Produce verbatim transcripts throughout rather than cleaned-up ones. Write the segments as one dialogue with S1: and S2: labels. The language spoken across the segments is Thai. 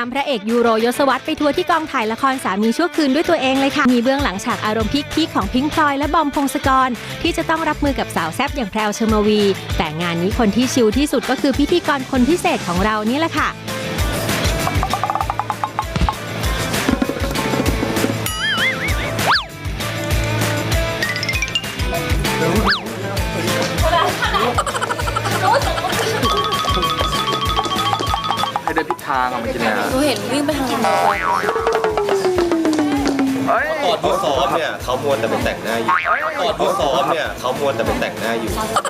S1: ามพระเอกยูโรยศวรรษไปทัวร์ที่กองถ่ายละครสามีชั่วคืนด้วยตัวเองเลยค่ะมีเบื้องหลังฉากอารมณ์พีคๆของพิงค์พลอยและบอมพงศกรที่จะต้องรับมือกับสาวแซ่บอย่างแพรวเชอร์มวีแต่งานนี้คนที่ชิลที่สุดก็คือพิธีกรคนพิเศษของเรานี่แหละค่ะ
S2: ให้เดินผิดทางอ่ะมันกินอะไร
S3: หนูเห็นวิ่งไปทางนั้นเลย
S4: ตอนที่ซ้อมเนี่ยเขามัวแต่ไปแต่งหน้าอยู่ตอนที่ซ้อมเนี่ยเขามัวแต่ไปแต่งหน้าอยู่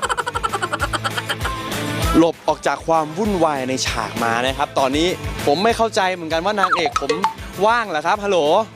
S5: หลบออกจากความวุ่นวายในฉากมานะครับตอนนี้ผมไม่เข้าใจเหมือนกันว่านางเอกผมว่างเหรอครับฮัลโหล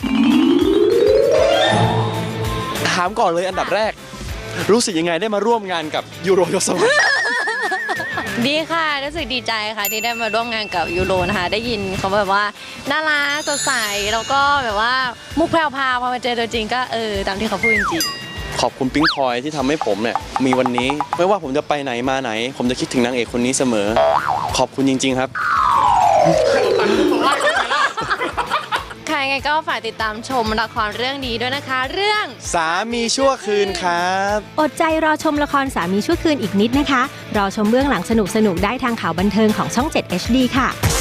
S5: ถามก่อนเลยอันดับแรกรู้สึกยังไงได้มาร่วมงานกับยูโรยศวรรษ
S3: ดีค่ะรู้สึกดีใจค่ะที่ได้มาร่วมงานกับยูโรนะคะได้ยินเขาแบบว่าน่ารักสดใสแล้วก็แบบว่ามุกแพรวพาพอมาเจอตัวจริงก็เออตามที่เขาพูดจริง
S5: ขอบคุณปิ๊งพลอยที่ทำให้ผมเนี่ยมีวันนี้ไม่ว่าผมจะไปไหนมาไหนผมจะคิดถึงนางเอกคนนี้เสมอขอบคุณจริงๆครับ
S3: ค่ะยังไงก็ฝากติดตามชมละครเรื่องนี้ด้วยนะคะเรื่อง
S5: สามีชั่วคืนครับ
S1: อดใจรอชมละครสามีชั่วคืนอีกนิดนะคะรอชมเบื้องหลังสนุกๆได้ทางข่าวบันเทิงของช่อง เจ็ด เอช ดี ค่ะ